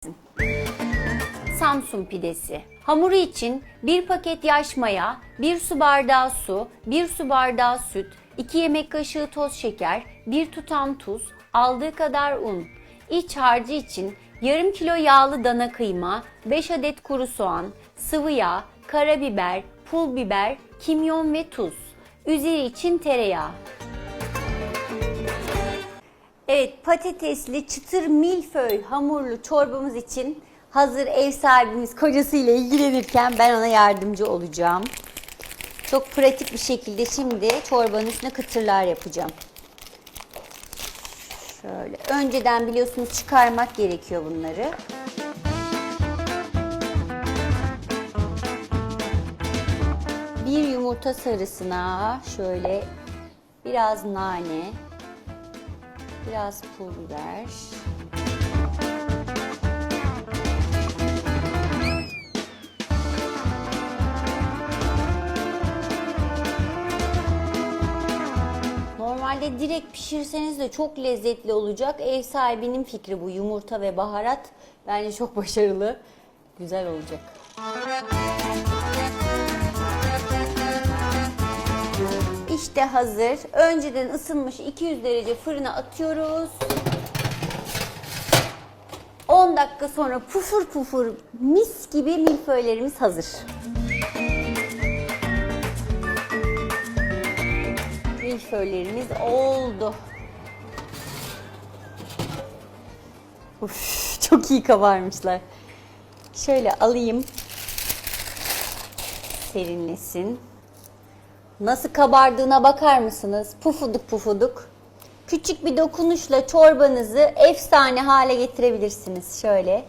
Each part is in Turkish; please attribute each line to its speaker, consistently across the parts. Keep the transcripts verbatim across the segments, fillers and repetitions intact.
Speaker 1: Samsun pidesi. Hamuru için bir paket yaş maya, bir su bardağı su, bir su bardağı süt, iki yemek kaşığı toz şeker, bir tutam tuz, aldığı kadar un. İç harcı için yarım kilo yağlı dana kıyma, beş adet kuru soğan, sıvı yağ, karabiber, pul biber, kimyon ve tuz. Üzeri için tereyağı. Evet, patatesli çıtır milföy hamurlu çorbamız için hazır ev sahibimiz kocasıyla ilgilenirken ben ona yardımcı olacağım. Çok pratik bir şekilde şimdi çorbanın üstüne kıtırlar yapacağım. Şöyle önceden biliyorsunuz çıkarmak gerekiyor bunları. Bir yumurta sarısına şöyle biraz nane, biraz pul biber. Normalde direkt pişirseniz de çok lezzetli olacak. Ev sahibinin fikri bu. Yumurta ve baharat bence çok başarılı. Güzel olacak. İşte hazır. Önceden ısınmış iki yüz derece fırına atıyoruz. on dakika sonra pufur pufur mis gibi milföylerimiz hazır. Milföylerimiz oldu. Uf, çok iyi kabarmışlar. Şöyle alayım. Serinlesin. Nasıl kabardığına bakar mısınız? Pufuduk pufuduk. Küçük bir dokunuşla çorbanızı efsane hale getirebilirsiniz. Şöyle.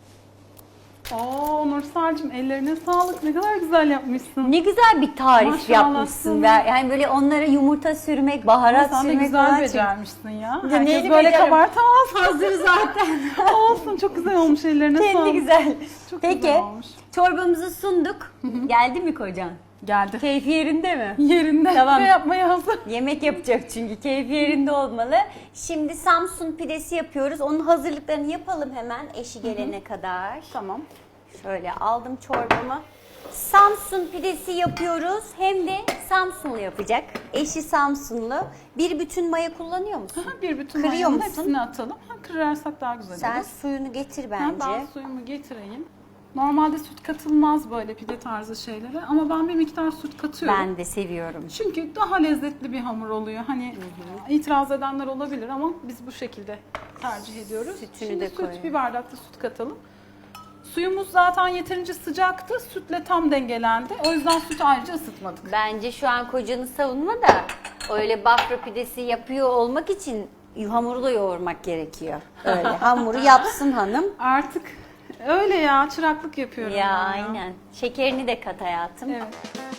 Speaker 2: Oo Nursel'cim ellerine sağlık. Ne kadar güzel yapmışsın.
Speaker 1: Ne güzel bir tarif
Speaker 2: Maşallah
Speaker 1: yapmışsın.
Speaker 2: sana.
Speaker 1: Yani böyle onlara yumurta sürmek, baharat
Speaker 2: Sen de
Speaker 1: sürmek
Speaker 2: güzel
Speaker 1: falan.
Speaker 2: becermişsin ya.
Speaker 1: Ya
Speaker 2: Herkes
Speaker 1: neyini
Speaker 2: böyle
Speaker 1: beceririm?
Speaker 2: kabartamaz.
Speaker 1: Hazır zaten.
Speaker 2: Olsun, çok güzel olmuş, ellerine
Speaker 1: Kendi
Speaker 2: sağlık.
Speaker 1: güzel.
Speaker 2: Çok
Speaker 1: Peki
Speaker 2: güzel olmuş.
Speaker 1: çorbamızı sunduk. Geldi mi kocan?
Speaker 2: Geldi.
Speaker 1: Keyfi yerinde mi?
Speaker 2: Yerinde
Speaker 1: Tamam.
Speaker 2: ve yapmaya hazır.
Speaker 1: Yemek yapacak çünkü keyfi yerinde olmalı. Şimdi Samsun pidesi yapıyoruz. Onun hazırlıklarını yapalım hemen eşi gelene kadar.
Speaker 2: Tamam.
Speaker 1: Şöyle aldım çorbamı. Samsun pidesi yapıyoruz. Hem de Samsunlu yapacak. Eşi Samsunlu. Bir bütün maya kullanıyor musun?
Speaker 2: Aha, bir bütün
Speaker 1: Kırıyor
Speaker 2: mayanın
Speaker 1: musun?
Speaker 2: hepsini atalım. Ha, kırarsak daha güzel
Speaker 1: Sen
Speaker 2: olur.
Speaker 1: suyunu getir
Speaker 2: Ha,
Speaker 1: bence.
Speaker 2: ben suyumu getireyim. Normalde süt katılmaz böyle pide tarzı şeylere ama ben bir miktar süt katıyorum.
Speaker 1: Ben de seviyorum.
Speaker 2: Çünkü daha lezzetli bir hamur oluyor. Hani hı hı. itiraz edenler olabilir ama biz bu şekilde tercih ediyoruz.
Speaker 1: Sütünü
Speaker 2: Şimdi
Speaker 1: de
Speaker 2: süt,
Speaker 1: koyuyorum.
Speaker 2: bir bardak da süt katalım. Suyumuz zaten yeterince sıcaktı. Sütle tam dengelendi. O yüzden sütü ayrıca ısıtmadık.
Speaker 1: Bence şu an kocanı savunma da öyle bafra pidesi yapıyor olmak için hamuru da yoğurmak gerekiyor. Öyle hamuru yapsın hanım.
Speaker 2: Artık öyle ya, çıraklık yapıyorum.
Speaker 1: Ya
Speaker 2: ben
Speaker 1: aynen. Şekerini de kat hayatım.
Speaker 2: Evet.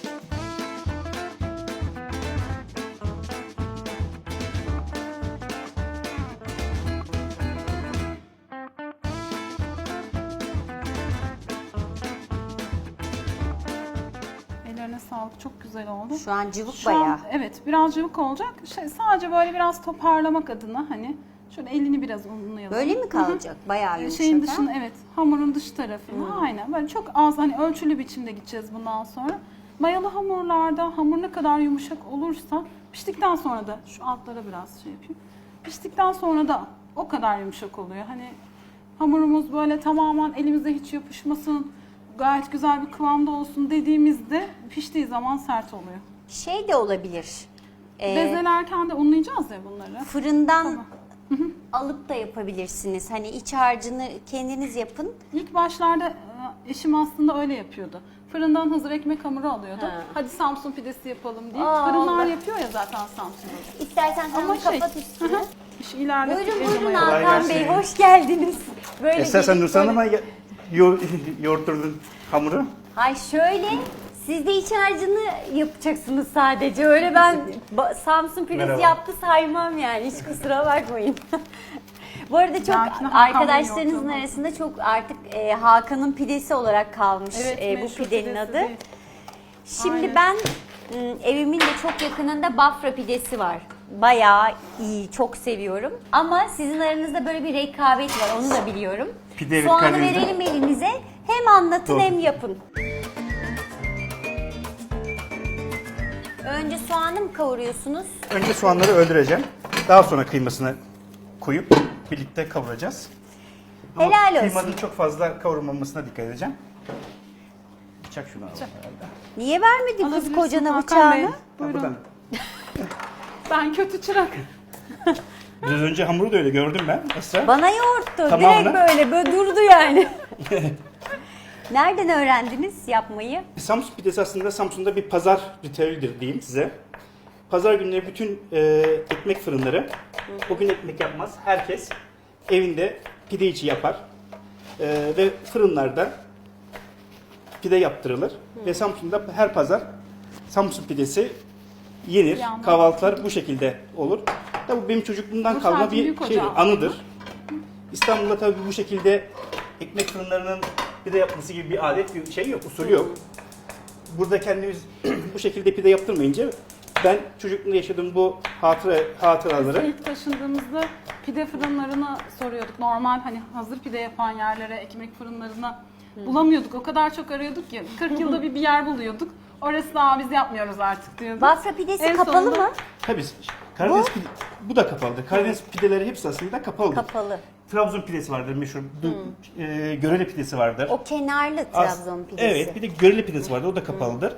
Speaker 2: Ellerine sağlık, çok güzel oldu.
Speaker 1: Şu an cıvık
Speaker 2: Şu an,
Speaker 1: bayağı.
Speaker 2: evet, biraz cıvık olacak. Şey, sadece böyle biraz toparlamak adına hani şöyle elini biraz unlayalım.
Speaker 1: Böyle mi kalacak? Bayağı yumuşak.
Speaker 2: Şeyin
Speaker 1: ha?
Speaker 2: dışını, evet, hamurun dış tarafına aynen böyle çok az, hani ölçülü biçimde gideceğiz bundan sonra. Mayalı hamurlarda hamur ne kadar yumuşak olursa piştikten sonra da şu altlara biraz şey yapayım. Piştikten sonra da o kadar yumuşak oluyor. Hani hamurumuz böyle tamamen elimize hiç yapışmasın, gayet güzel bir kıvamda olsun dediğimizde piştiği zaman sert oluyor.
Speaker 1: Şey de olabilir. Ee,
Speaker 2: Bezelerken de unlayacağız ya bunları.
Speaker 1: fırından alıp da yapabilirsiniz. Hani iç harcını kendiniz yapın.
Speaker 2: İlk başlarda e, eşim aslında öyle yapıyordu. Fırından hazır ekmek hamuru alıyordu.
Speaker 1: Ha.
Speaker 2: Hadi Samsun pidesi yapalım diye.
Speaker 1: Aa,
Speaker 2: Fırınlar
Speaker 1: Allah.
Speaker 2: yapıyor ya zaten Samsun'da.
Speaker 1: İstersen
Speaker 2: Ama
Speaker 1: hamuru
Speaker 2: şey,
Speaker 1: kapat üstünü.
Speaker 2: hı hı, işi ilerlettik.
Speaker 1: Buyurun
Speaker 2: el
Speaker 1: buyurun
Speaker 2: hamuru.
Speaker 1: Hakan Bey,
Speaker 3: gelsin.
Speaker 1: hoş geldiniz. Böyle
Speaker 3: Esasen
Speaker 1: gelip
Speaker 3: Nursel
Speaker 1: böyle-
Speaker 3: Hanım'a yo yoğurtturdun hamuru.
Speaker 1: Hay şöyle, siz de iç harcını yapacaksınız sadece. Öyle ben ba- Samsun pidesi
Speaker 3: Merhaba.
Speaker 1: yaptı saymam yani. Hiç kusura bakmayın. Bu arada çok
Speaker 2: Belki de Hakan Bey
Speaker 1: arkadaşlarınızın
Speaker 2: yoğurtladı.
Speaker 1: arasında çok artık e, Hakan'ın pidesi olarak kalmış
Speaker 2: Evet,
Speaker 1: e, bu
Speaker 2: meşhur
Speaker 1: pidenin
Speaker 2: pidesi
Speaker 1: adı.
Speaker 2: değil.
Speaker 1: Şimdi
Speaker 2: Aynen.
Speaker 1: ben m, evimin de çok yakınında Bafra pidesi var. Bayağı iyi, çok seviyorum. Ama sizin aranızda böyle bir rekabet var, onu da biliyorum.
Speaker 3: Pide ve
Speaker 1: Soğanı
Speaker 3: Karadeniz'de.
Speaker 1: verelim elinize. Hem anlatın
Speaker 3: Doğru.
Speaker 1: hem yapın. Önce soğanı mı kavuruyorsunuz?
Speaker 3: Önce soğanları öldüreceğim. Daha sonra kıymasını koyup birlikte kavuracağız. Ama
Speaker 1: Helal olsun.
Speaker 3: kıymanın çok fazla kavrulmamasına dikkat edeceğim. Bıçak şunu alalım herhalde.
Speaker 1: Niye vermedin kız
Speaker 2: Alabilirsin
Speaker 1: kocana
Speaker 2: Hakan Bey.
Speaker 1: bıçağını?
Speaker 3: Ha,
Speaker 2: Buyurun.
Speaker 3: buradan.
Speaker 2: Ben kötü çırak.
Speaker 3: Biraz önce hamuru da öyle gördüm ben Esra.
Speaker 1: Bana yoğurttu.
Speaker 3: Tamamını.
Speaker 1: Direkt böyle, böyle durdu yani. Nereden öğrendiniz yapmayı?
Speaker 3: Samsun pidesi aslında Samsun'da bir pazar ritüelidir diyeyim size. Pazar günleri bütün e, ekmek fırınları o gün ekmek yapmaz. Herkes evinde pide içi yapar. E, ve fırınlarda pide yaptırılır. Ve Samsun'da her pazar Samsun pidesi yenir.
Speaker 2: Bir yandan-
Speaker 3: Kahvaltılar bu şekilde olur. Tabii bu benim çocukluğumdan
Speaker 2: Bu
Speaker 3: kalma
Speaker 2: sanki
Speaker 3: bir
Speaker 2: büyük
Speaker 3: şey,
Speaker 2: ocağı.
Speaker 3: anıdır. İstanbul'da tabii bu şekilde ekmek fırınlarının pide yapması gibi bir adet, bir şey yok, usulü yok. Burada kendimiz bu şekilde pide yaptırmayınca ben çocukluğumda yaşadığım bu hatıra, hatıraları
Speaker 2: İlk taşındığımızda pide fırınlarına soruyorduk. Normal hani hazır pide yapan yerlere, ekmek fırınlarına bulamıyorduk. O kadar çok arıyorduk ki kırk yılda bir bir yer buluyorduk. Orası da biz yapmıyoruz artık diyorduk.
Speaker 1: Bafra pidesi
Speaker 2: En
Speaker 1: kapalı
Speaker 2: sonunda-
Speaker 1: mı?
Speaker 3: tabii Karadeniz pide, bu da kapalıdır. Karadeniz pideleri hepsi aslında kapalıdır.
Speaker 1: Kapalı.
Speaker 3: Trabzon pidesi vardır meşhur. Du- e, Görele pidesi vardır.
Speaker 1: O kenarlı
Speaker 3: As-
Speaker 1: Trabzon pidesi.
Speaker 3: Evet, bir de Görele pidesi vardır. O da kapalıdır.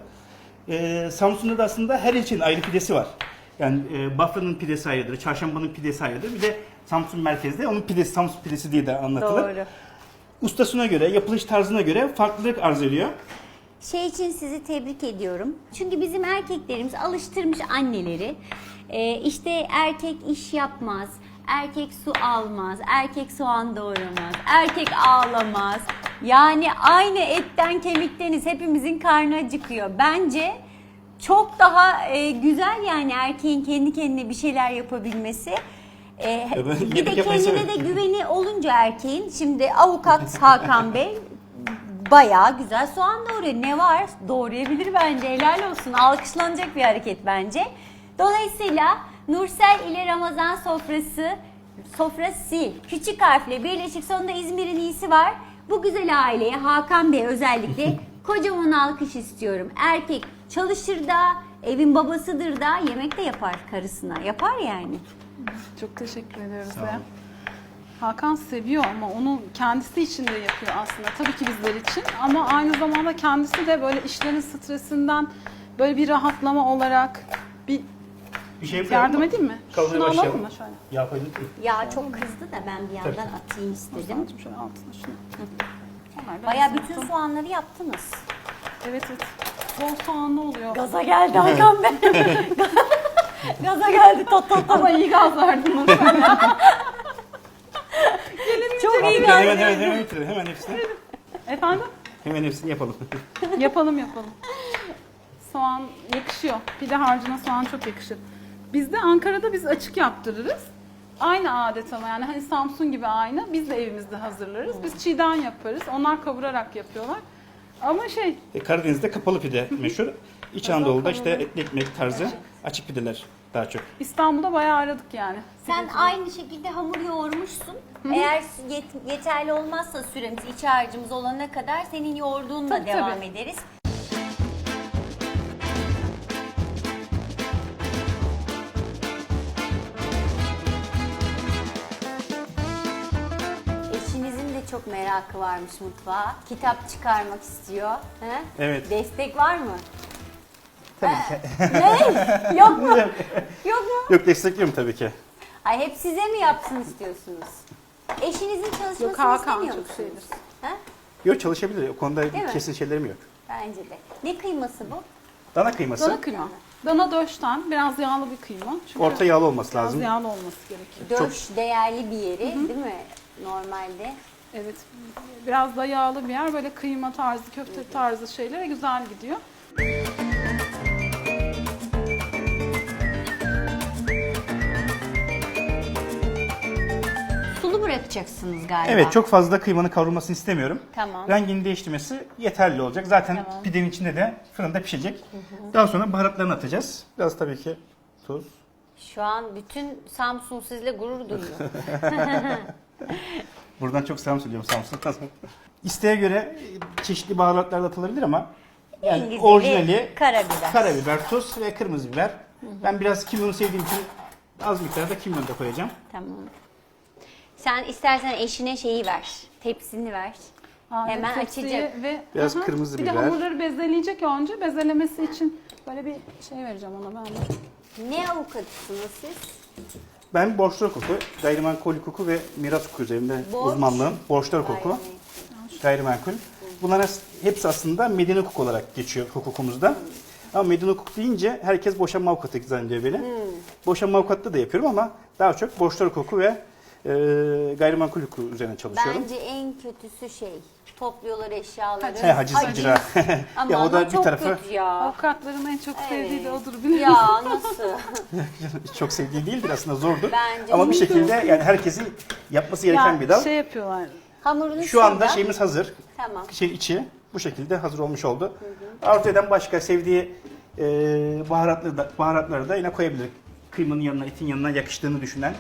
Speaker 3: Ee, Samsun'da da aslında her ilçenin ayrı pidesi var. Yani e, Bafra'nın pidesi ayrıdır, Çarşamba'nın pidesi ayrıdır. Bir de Samsun merkezde onun pidesi, Samsun pidesi diye de anlatılır.
Speaker 1: Doğru.
Speaker 3: Ustasına göre, yapılış tarzına göre farklılık arz ediyor.
Speaker 1: Şey için sizi tebrik ediyorum. Çünkü bizim erkeklerimiz alıştırmış anneleri. Ee, işte erkek iş yapmaz, erkek su almaz, erkek soğan doğramaz, erkek ağlamaz. Yani aynı etten kemikteniz, hepimizin karnı acıkıyor. Bence çok daha e, güzel yani erkeğin kendi kendine bir şeyler yapabilmesi. Ee,
Speaker 3: ben
Speaker 1: bir de
Speaker 3: yemek yapmayı
Speaker 1: kendine
Speaker 3: severim.
Speaker 1: de güveni olunca erkeğin, şimdi avukat Hakan Bey bayağı güzel soğan doğruyor. Ne var? Doğrayabilir bence. Helal olsun. Alkışlanacak bir hareket bence. Dolayısıyla Nursel ile Ramazan sofrası, sofrası küçük harfle birleşik, sonunda İzmir'in iyisi var. Bu güzel aileye, Hakan Bey özellikle kocaman alkış istiyorum. Erkek çalışır da, evin babasıdır da, yemek de yapar karısına. Yapar yani.
Speaker 2: Çok teşekkür ediyoruz
Speaker 3: Sağ olun.
Speaker 2: ya. Hakan seviyor ama onu kendisi için de yapıyor aslında. Tabii ki bizler için ama aynı zamanda kendisi de böyle işlerin stresinden böyle bir rahatlama olarak bir
Speaker 3: Bir şey
Speaker 2: yardım
Speaker 3: yapalım mı?
Speaker 2: edeyim mi?
Speaker 3: Kavurmaya
Speaker 2: Şunu alalım
Speaker 3: başlayalım.
Speaker 2: mı şöyle?
Speaker 3: Yağ koyduk mu?
Speaker 1: Ya çok kızdı da ben bir yandan
Speaker 3: Tabii.
Speaker 1: atayım istedim.
Speaker 2: Sadece şöyle altına şunu. Onlar da
Speaker 1: Bayağı
Speaker 2: bizim
Speaker 1: bütün
Speaker 2: son-
Speaker 1: soğanları yaptınız.
Speaker 2: Evet evet. Bol soğanlı oluyor.
Speaker 1: Gaza geldi Hakan Bey. Gaza geldi tot tot tot.
Speaker 2: Ama iyi gaz verdin Nursel ya.
Speaker 1: Çok iyi
Speaker 3: Hemen
Speaker 1: gaz
Speaker 3: hemen hemen,
Speaker 1: geldi.
Speaker 3: hemen bitirelim. Hemen hepsini.
Speaker 2: Efendim?
Speaker 3: Hemen hepsini yapalım.
Speaker 2: Yapalım yapalım. Soğan yakışıyor. Pide harcına soğan çok yakışır. Bizde Ankara'da biz açık yaptırırız. Aynı adet ama yani hani Samsun gibi aynı. Biz de evimizde hazırlarız. Biz çiğden yaparız. Onlar kavurarak yapıyorlar. Ama şey
Speaker 3: E, Karadeniz'de kapalı pide meşhur. İç Anadolu'da işte etli ekmek tarzı açık pideler daha çok.
Speaker 2: İstanbul'da bayağı aradık yani.
Speaker 1: Sen aynı şekilde hamur yoğurmuşsun. Eğer yet- yeterli olmazsa süremiz, iç harcımız olana kadar senin yoğurduğunla
Speaker 2: Tabii,
Speaker 1: devam
Speaker 2: tabii.
Speaker 1: ederiz. Eşinizin de çok merakı varmış mutfağa. Kitap çıkarmak istiyor. He?
Speaker 3: Evet.
Speaker 1: Destek var mı?
Speaker 3: Tabii ki.
Speaker 1: Ne? Yok mu? Yok mu?
Speaker 3: Yok, destekliyorum tabii ki.
Speaker 1: Ay hep size mi yapsın istiyorsunuz? Eşinizin çalışmasını
Speaker 2: Yok, Hakan
Speaker 1: istemiyor
Speaker 2: çok
Speaker 1: musunuz?
Speaker 2: şeydir.
Speaker 1: Ha?
Speaker 3: Yok, çalışabilir. O konuda
Speaker 1: Değil mi?
Speaker 3: kesin şeylerim yok.
Speaker 1: Bence de. Ne kıyması bu?
Speaker 3: Dana kıyması
Speaker 2: Dana kıyma. Dana döşten biraz yağlı bir kıyma. Çünkü
Speaker 3: orta yağlı olması
Speaker 2: biraz
Speaker 3: lazım.
Speaker 2: yağlı olması gerekiyor.
Speaker 1: Döş değerli bir yeri değil mi? Normalde.
Speaker 2: Evet. Biraz da yağlı bir yer. Böyle kıyma tarzı, köfte tarzı şeylere güzel gidiyor.
Speaker 1: Sulu bırakacaksınız galiba.
Speaker 3: Evet, çok fazla kıymanın kavrulmasını istemiyorum.
Speaker 1: Tamam.
Speaker 3: Rengini değiştirmesi yeterli olacak. Zaten
Speaker 1: Tamam.
Speaker 3: pidenin içinde de fırında pişecek. Daha sonra baharatlarını atacağız. Biraz tabii ki tuz.
Speaker 1: Şu an bütün Samsun sizle gurur duyuyor.
Speaker 3: Buradan çok selam söylüyorum Samsun'a. İsteğe göre çeşitli baharatlar da atılabilir ama yani
Speaker 1: En güzeli
Speaker 3: orijinali
Speaker 1: karabiber.
Speaker 3: karabiber, tuz ve kırmızı biber. Ben biraz kimyonu sevdiğim için az miktarda kimyon da koyacağım.
Speaker 1: Tamam. Sen istersen eşine şeyi ver. Tepsini ver.
Speaker 2: Aa,
Speaker 1: Hemen
Speaker 2: tepsiyi
Speaker 1: açacak.
Speaker 2: Ve,
Speaker 3: Biraz
Speaker 2: Aha,
Speaker 3: kırmızı
Speaker 2: bir de
Speaker 3: biber.
Speaker 2: hamurları bezeleyecek önce. Bezelemesi için böyle bir şey vereceğim ona ben de.
Speaker 1: Ne avukatısınız siz?
Speaker 3: Ben borçlar hukuku, gayrimenkul hukuku ve miras hukuku üzerinde
Speaker 1: Borç.
Speaker 3: uzmanlığım. Borçlar hukuku, gayrimenkul. Bunların hepsi aslında medeni hukuk olarak geçiyor hukukumuzda. Ama medeni hukuk deyince herkes boşanma avukatı zannediyor beni. Boşanma avukatlığı da yapıyorum ama daha çok borçlar hukuku ve e, gayrimenkul hukuku üzerine çalışıyorum.
Speaker 1: Bence en kötüsü şey. Topluyorlar eşyaları.
Speaker 3: He, haciz icra.
Speaker 1: Ama
Speaker 3: Ya o da
Speaker 1: ama
Speaker 3: bir
Speaker 1: çok
Speaker 3: tarafı-
Speaker 1: kötü ya.
Speaker 2: Avukatların en çok sevdiği de odur biliyor musun?
Speaker 1: Ya nasıl?
Speaker 3: Çok sevdiği değildir aslında zordur.
Speaker 1: Bence
Speaker 3: Ama bir
Speaker 1: çok
Speaker 3: şekilde yani herkesin yapması gereken
Speaker 2: Ya
Speaker 3: bir dal.
Speaker 2: şey yapıyorlar.
Speaker 1: Hamurunu
Speaker 3: Şu anda
Speaker 1: şurada.
Speaker 3: şeyimiz hazır.
Speaker 1: Tamam.
Speaker 3: Şey içi bu şekilde hazır olmuş oldu. Arzu eden başka sevdiği e, baharatları da, baharatları da yine koyabilir. Kıymanın yanına, etin yanına yakıştığını düşünen.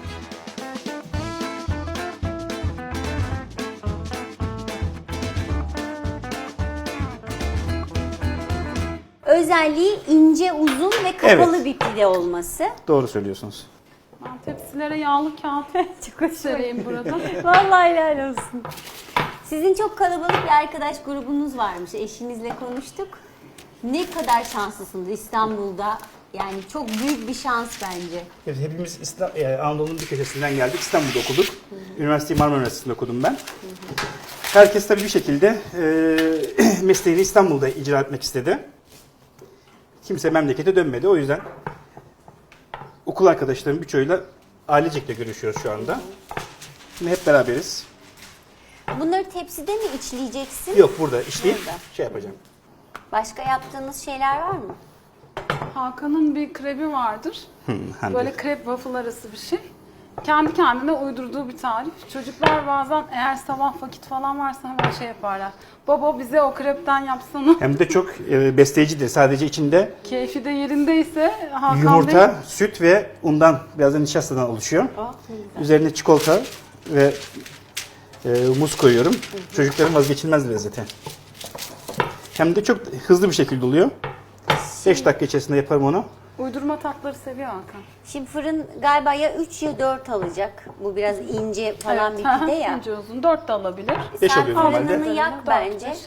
Speaker 1: Özelliği ince, uzun ve kapalı
Speaker 3: Evet.
Speaker 1: bir pide olması.
Speaker 3: Doğru söylüyorsunuz.
Speaker 2: Ben tepsilere yağlı kağıt
Speaker 1: Çok hoş.
Speaker 2: sereyim burada.
Speaker 1: Vallahi helal olsun. Sizin çok kalabalık bir arkadaş grubunuz varmış. Eşinizle konuştuk. Ne kadar şanslısınız İstanbul'da. Yani çok büyük bir şans bence.
Speaker 3: Evet, hepimiz İsta- e, Anadolu'nun bir köşesinden geldik. İstanbul'da okuduk. Üniversiteyi Marmara Üniversitesi'nde okudum ben. Herkes tabii bir şekilde e, mesleğini İstanbul'da icra etmek istedi. Kimse memlekete dönmedi. O yüzden okul arkadaşlarım birçoğuyla ailecekle görüşüyoruz şu anda. Şimdi hep beraberiz.
Speaker 1: Bunları tepside mi içleyeceksin?
Speaker 3: Yok burada işleyip
Speaker 1: Burada.
Speaker 3: şey yapacağım.
Speaker 1: Başka yaptığınız şeyler var mı?
Speaker 2: Hakan'ın bir krebi vardır.
Speaker 3: Hande.
Speaker 2: Böyle krep waffle arası bir şey. Kendi kendine uydurduğu bir tarif. Çocuklar bazen eğer sabah vakit falan varsa hemen şey yaparlar. Baba bize o krepten yapsana.
Speaker 3: Hem de çok e, besleyicidir. Sadece içinde
Speaker 2: Keyfi de yerindeyse Hakan
Speaker 3: yumurta,
Speaker 2: Bey
Speaker 3: süt ve undan, biraz da nişastadan oluşuyor. Üzerine çikolata ve e, muz koyuyorum. Çocukların vazgeçilmez lezzeti. Hem de çok hızlı bir şekilde oluyor. beş dakika içerisinde yaparım onu.
Speaker 2: uydurma tatları seviyor Hakan.
Speaker 1: Şimdi fırın galiba ya üç ya dört alacak. Bu biraz ince falan
Speaker 2: Evet,
Speaker 1: bir pide ya.
Speaker 2: ince uzun. dört de alabilir.
Speaker 3: Beş
Speaker 1: Sen
Speaker 3: oluyor normalde.
Speaker 1: fırınını yak
Speaker 2: Dört,
Speaker 1: bence.
Speaker 2: beş.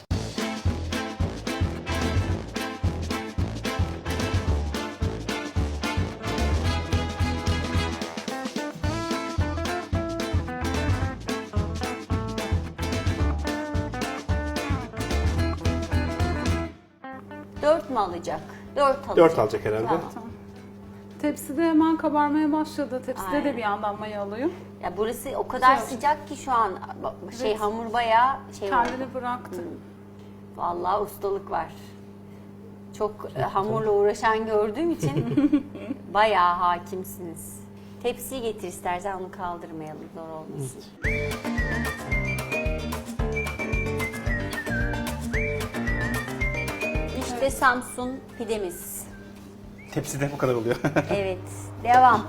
Speaker 1: Dört mü alacak? Dört alacak.
Speaker 3: dört alacak herhalde.
Speaker 1: Tamam.
Speaker 2: Tepside hemen kabarmaya başladı. Tepside
Speaker 1: Aynen.
Speaker 2: de bir yandan maya alıyor.
Speaker 1: Ya burası o kadar
Speaker 2: Güzel.
Speaker 1: sıcak ki şu an şey
Speaker 2: Evet.
Speaker 1: hamur bayağı şey oldu.
Speaker 2: Kendini bıraktı.
Speaker 1: Vallahi ustalık var. Çok e, hamurla uğraşan gördüğüm için bayağı hakimsiniz. Tepsiyi getir istersen onu kaldırmayalım zor olmasın. İşte Samsun pidemiz.
Speaker 3: Tepside bu kadar oluyor.
Speaker 1: Evet, devam.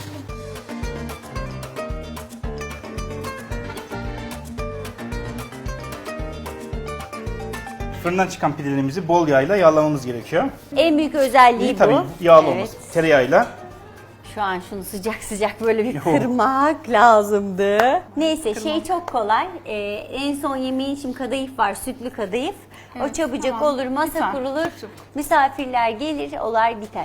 Speaker 3: Fırından çıkan pidelerimizi bol yağla yağlamamız gerekiyor.
Speaker 1: En büyük özelliği
Speaker 3: İyi
Speaker 1: bu.
Speaker 3: tabii yağlı
Speaker 1: Evet.
Speaker 3: olması. Tereyağıyla.
Speaker 1: Şu an şunu sıcak sıcak böyle bir
Speaker 3: Yok.
Speaker 1: kırmak lazımdı. Neyse şey çok kolay. Ee, en son yemeğin şimdi kadayıf var, sütlü kadayıf. o
Speaker 2: Evet,
Speaker 1: çabucak
Speaker 2: tamam.
Speaker 1: olur, masa
Speaker 2: Biter.
Speaker 1: kurulur.
Speaker 2: Çabuk.
Speaker 1: Misafirler gelir, olay biter.